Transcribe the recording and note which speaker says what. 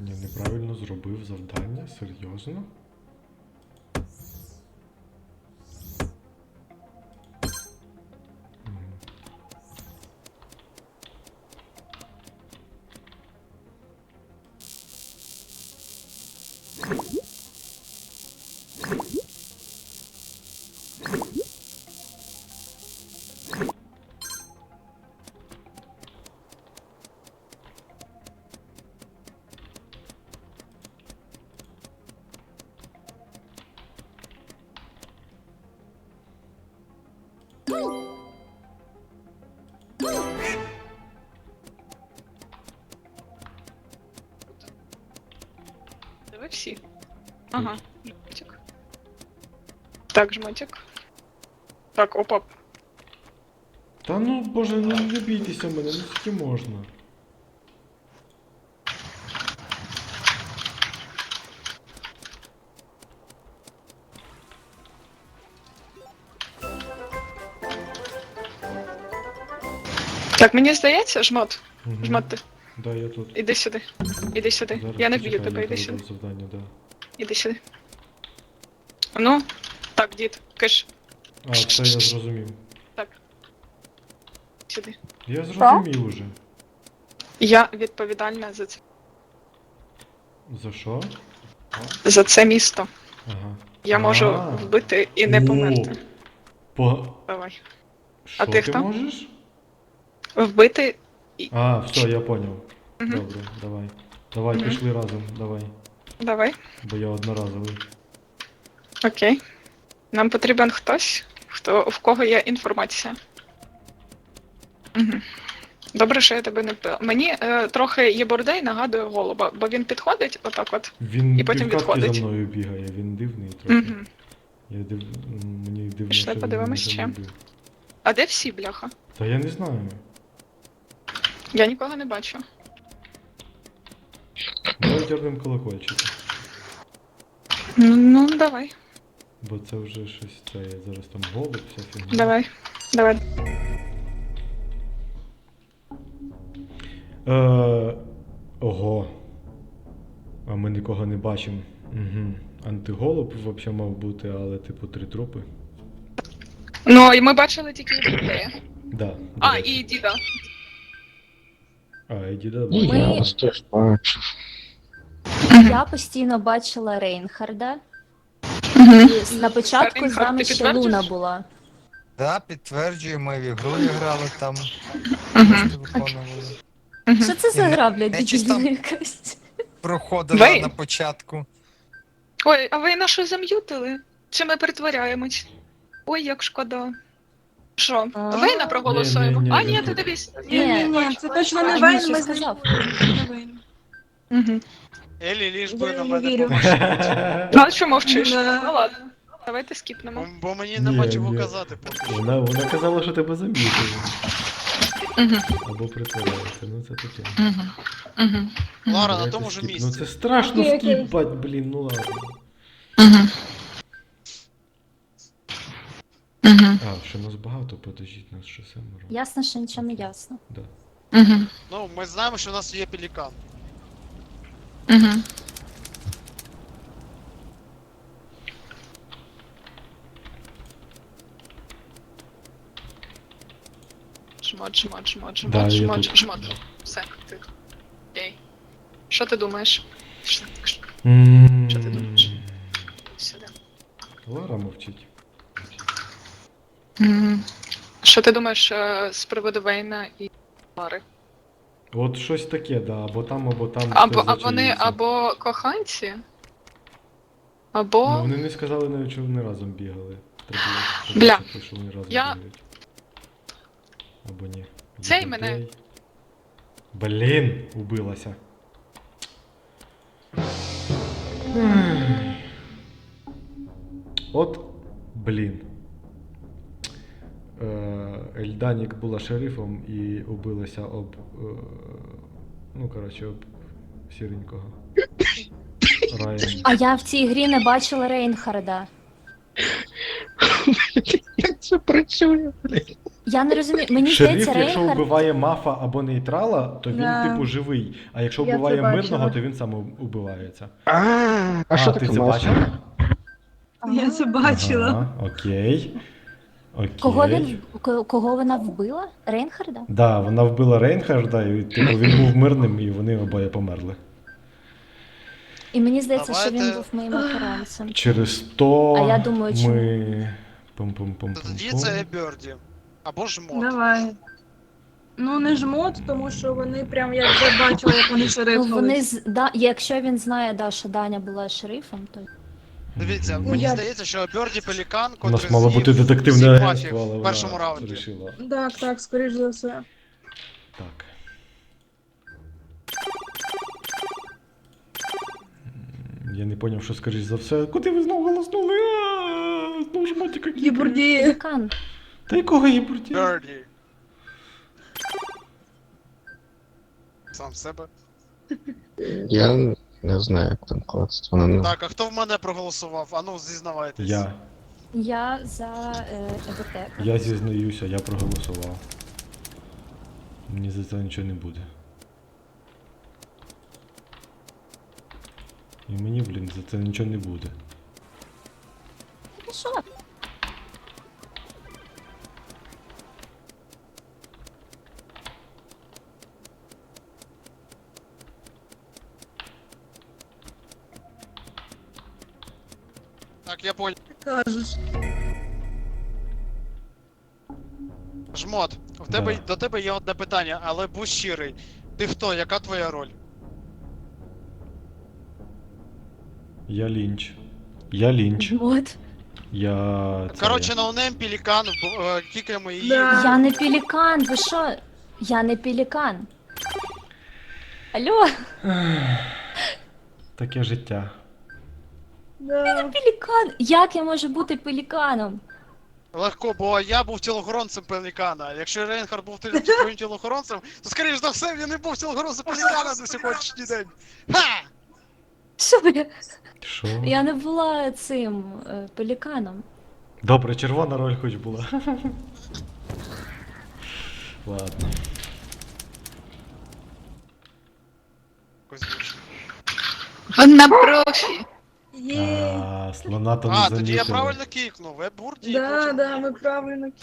Speaker 1: Ні, неправильно зробив завдання? Серйозно? Мгм.
Speaker 2: Ви всі. Ага, жмотик. Так, жмотик. Так, опа.
Speaker 1: Та ну, боже, ну не бійтеся мене, ну скільки можна.
Speaker 2: Так, мені здається, жмот.
Speaker 1: Мгм.
Speaker 2: Жмот ти.
Speaker 1: Да, я тут.
Speaker 2: Іди сюди. Іди сюди.
Speaker 1: Зараз
Speaker 2: Я не
Speaker 1: почекай,
Speaker 2: б'ю тебе,
Speaker 1: я
Speaker 2: іди
Speaker 1: проведу
Speaker 2: сюди.
Speaker 1: завдання, да.
Speaker 2: Іди сюди. Ну, так, дід, киш.
Speaker 1: А, це я зрозумів.
Speaker 2: Так. Сюди.
Speaker 1: Я зрозумів уже.
Speaker 2: Я відповідальна за це.
Speaker 1: За що?
Speaker 2: За це місто.
Speaker 1: Ага.
Speaker 2: Я можу
Speaker 1: А.
Speaker 2: вбити і не
Speaker 1: О,
Speaker 2: померти.
Speaker 1: По...
Speaker 2: Давай.
Speaker 1: Що
Speaker 2: ти
Speaker 1: ти
Speaker 2: хто?
Speaker 1: можеш?
Speaker 2: Вбити.
Speaker 1: А, все, я поняв.
Speaker 2: Мгм.
Speaker 1: Добре, давай. Давай,
Speaker 2: Мгм.
Speaker 1: пішли разом, давай.
Speaker 2: Давай.
Speaker 1: Бо я одноразовий.
Speaker 2: Окей. Нам потрібен хтось, в кого є інформація. Угу. Добре, що я тебе не вбила. Мені трохи Єбордей нагадує голуба, бо він підходить отак от.
Speaker 1: Він
Speaker 2: І потім
Speaker 1: півкатки
Speaker 2: відходить.
Speaker 1: за мною бігає, він дивний трохи.
Speaker 2: Угу.
Speaker 1: Мені дивно,
Speaker 2: Пішли,
Speaker 1: що він
Speaker 2: подивимось,
Speaker 1: мене
Speaker 2: ще.
Speaker 1: не вбив.
Speaker 2: А де всі, бляха?
Speaker 1: Та я не знаю.
Speaker 2: Я нікого не бачу.
Speaker 1: Давай дернем колокольчик.
Speaker 2: Ну, давай.
Speaker 1: Бо це вже щось, це я зараз там голуб, вся фігня.
Speaker 2: Давай. Давай.
Speaker 1: Ого. А ми нікого не бачимо. Угу. Антиголуб взагалі мав бути, але типу 3 трупи.
Speaker 2: Ну, і ми бачили тільки Єбордея.
Speaker 1: Да. до
Speaker 2: А,
Speaker 1: речі.
Speaker 2: і діда.
Speaker 1: А, і діда
Speaker 3: Ми-
Speaker 1: бачив.
Speaker 3: Я
Speaker 4: вас теж бачу.
Speaker 3: Я постійно бачила Рейнхарда.
Speaker 2: Угу.
Speaker 3: І на початку з
Speaker 2: Рейнхард,
Speaker 3: нами
Speaker 2: ти
Speaker 3: ще
Speaker 2: підтверджуєш?
Speaker 3: Луна була.
Speaker 5: Да, підтверджую, ми в ігру грали там,
Speaker 2: Угу.
Speaker 5: просто виконували.
Speaker 3: Що це за
Speaker 5: І
Speaker 3: гра, блядь,
Speaker 5: не чисто-
Speaker 3: дебільна якась?
Speaker 5: Проходила
Speaker 2: Ви?
Speaker 5: на початку.
Speaker 2: Ой, а ви нашу зам'ютили? Чи ми притворяємось? Ой, як шкода. Що,
Speaker 3: А.
Speaker 2: Вейна проголосуємо?
Speaker 1: Ні,
Speaker 2: А,
Speaker 1: він
Speaker 2: ні,
Speaker 1: тут.
Speaker 2: ти дивись.
Speaker 6: Ні, це точно не
Speaker 3: А
Speaker 6: Вейн,
Speaker 3: він
Speaker 6: ми
Speaker 3: що
Speaker 6: з ним
Speaker 3: сказав?
Speaker 6: не Вейн.
Speaker 2: Угу.
Speaker 7: Елі, ліж би
Speaker 6: Я
Speaker 7: на
Speaker 6: не
Speaker 7: мене
Speaker 6: вірю.
Speaker 7: помогти.
Speaker 2: Ну, а що мовчиш?
Speaker 6: Да.
Speaker 2: Ну ладно. Давайте скіпнемо.
Speaker 7: Бо мені
Speaker 1: Ні,
Speaker 7: нема чого
Speaker 1: ні.
Speaker 7: казати поки що.
Speaker 1: Вона казала, що тебе замітили.
Speaker 2: Угу.
Speaker 1: Або притворяється, ну це таке.
Speaker 2: Угу. Угу.
Speaker 7: Лара, на
Speaker 1: Давайте
Speaker 7: тому ж
Speaker 1: скіп.
Speaker 7: місці.
Speaker 1: Ну це страшно
Speaker 6: Окей, окей.
Speaker 1: скіпать, блін, ну ладно.
Speaker 2: Угу. Угу.
Speaker 1: А, ще нас багато, подождіть, нас ще 7.
Speaker 3: Ясно, що нічого не ясно.
Speaker 1: Да.
Speaker 2: Угу.
Speaker 7: Ну, ми знаємо, що у нас є пелікан.
Speaker 2: Угу. Жмот, жмот, жмот,
Speaker 1: Да,
Speaker 2: жмот,
Speaker 1: я
Speaker 2: жмот,
Speaker 1: тут.
Speaker 2: жмот. Все, ти. Окей. Що ти думаєш? Що ти думаєш? Сюди.
Speaker 1: Лара мовчить.
Speaker 2: Що ти думаєш з приводу Вейна і Лари?
Speaker 1: От щось таке, да, або там, або там.
Speaker 2: Або
Speaker 1: все
Speaker 2: вони
Speaker 1: зачаїться.
Speaker 2: або коханці, або.
Speaker 1: Ну вони не сказали навіть, що вони разом бігали. Треба було
Speaker 2: Бля.
Speaker 1: сказати, що вони разом
Speaker 2: Я-
Speaker 1: бігають. Або ні.
Speaker 2: Цей
Speaker 1: Є
Speaker 2: мене.
Speaker 1: такий. Блін, убилася. От, блін. Ельданік була шерифом і убилася об. Ну, коротше, об сіренького. Райан.
Speaker 3: А я в цій грі не бачила Рейнхарда.
Speaker 4: Як це працює, блін?
Speaker 3: Я не розумію, мені
Speaker 1: Шериф,
Speaker 3: здається,
Speaker 1: якщо
Speaker 3: Рейнхард...
Speaker 1: вбиває мафа або нейтрала, то він,
Speaker 6: Да.
Speaker 1: типу, живий. А якщо
Speaker 6: Я це
Speaker 1: вбиває
Speaker 6: бачила.
Speaker 1: мирного, то він сам убивається.
Speaker 4: А що
Speaker 1: ти
Speaker 4: таке
Speaker 1: це
Speaker 4: мафія?
Speaker 1: бачив?
Speaker 6: Я це бачила.
Speaker 1: Ага, окей. Окей.
Speaker 3: Кого вона вбила? Рейнхарда?
Speaker 1: Да, вона вбила Рейнхарда, і типу, він був мирним, і вони обоє померли.
Speaker 3: І мені здається, що він
Speaker 7: Давайте-
Speaker 3: був моїм охоронцем.
Speaker 1: Через то
Speaker 3: А я думаю, чому?
Speaker 1: ми.
Speaker 7: Тоді це Берді. Або жмот.
Speaker 6: Давай. Ну, не жмот, тому що вони прям я вже бачила, як вони
Speaker 3: Ну,
Speaker 6: шерифали.
Speaker 3: вони якщо він знає, да, що Даня була шерифом, то
Speaker 7: Дивіться,
Speaker 1: Мгм.
Speaker 7: мені
Speaker 6: Я-
Speaker 7: здається, що Берді Пелікан,
Speaker 1: У
Speaker 7: котрий
Speaker 1: нас мало
Speaker 7: з'їв
Speaker 1: бути детективне
Speaker 7: всіх
Speaker 1: агентство,
Speaker 7: мафів
Speaker 1: але
Speaker 7: в першому
Speaker 1: вона
Speaker 7: раунді.
Speaker 1: вирішила.
Speaker 6: Так, так, скоріш за все.
Speaker 1: Так. Я не зрозумів, що скоріш за все. Куди ви знову голоснули? Знову ж мотика кікає.
Speaker 6: Гібурді.
Speaker 3: Пелікан.
Speaker 1: Та якого Єбурді?
Speaker 7: Берді. Сам себе.
Speaker 4: Я не знаю, як там класти. Вона не...
Speaker 7: Так, а хто в мене проголосував? Ану, зізнавайтесь.
Speaker 3: Я за ЕБТ.
Speaker 1: Я зізнаюся, я проголосував. Мені за це нічого не буде. І мені, блін, за це нічого не буде.
Speaker 3: Ну що?
Speaker 7: Так, я понял.
Speaker 6: Кажеш.
Speaker 7: Жмот, до тебе є одне питання, але будь щирий. Ти хто? Яка твоя роль?
Speaker 1: Я лінч. Я лінч.
Speaker 3: От.
Speaker 1: Я.
Speaker 7: Коротше, ноунейм Пелікан, кікаємо її.
Speaker 6: Да.
Speaker 3: Я не пелікан, ви що? Я не пелікан. Алло,
Speaker 1: Таке життя.
Speaker 6: Да.
Speaker 3: пелікан! Як я можу бути пеліканом?
Speaker 7: Легко, бо я був тілохоронцем Пелікана. Якщо Рейнхард був твоїм тілохоронцем, то скоріш за все він не був тілохоронцем Пелікана на сьогоднішній день. Ха!
Speaker 3: Що я?
Speaker 1: Що?
Speaker 3: Я не була цим пеліканом.
Speaker 1: Добре, червона роль хоч була. Ладно.
Speaker 7: Кузьміч.
Speaker 2: Вона профі.
Speaker 6: Є.
Speaker 1: Слона то не
Speaker 7: А, тоді я
Speaker 1: замітили.
Speaker 7: правильно кікнув, ви бурді.
Speaker 6: Да, да, ми правильно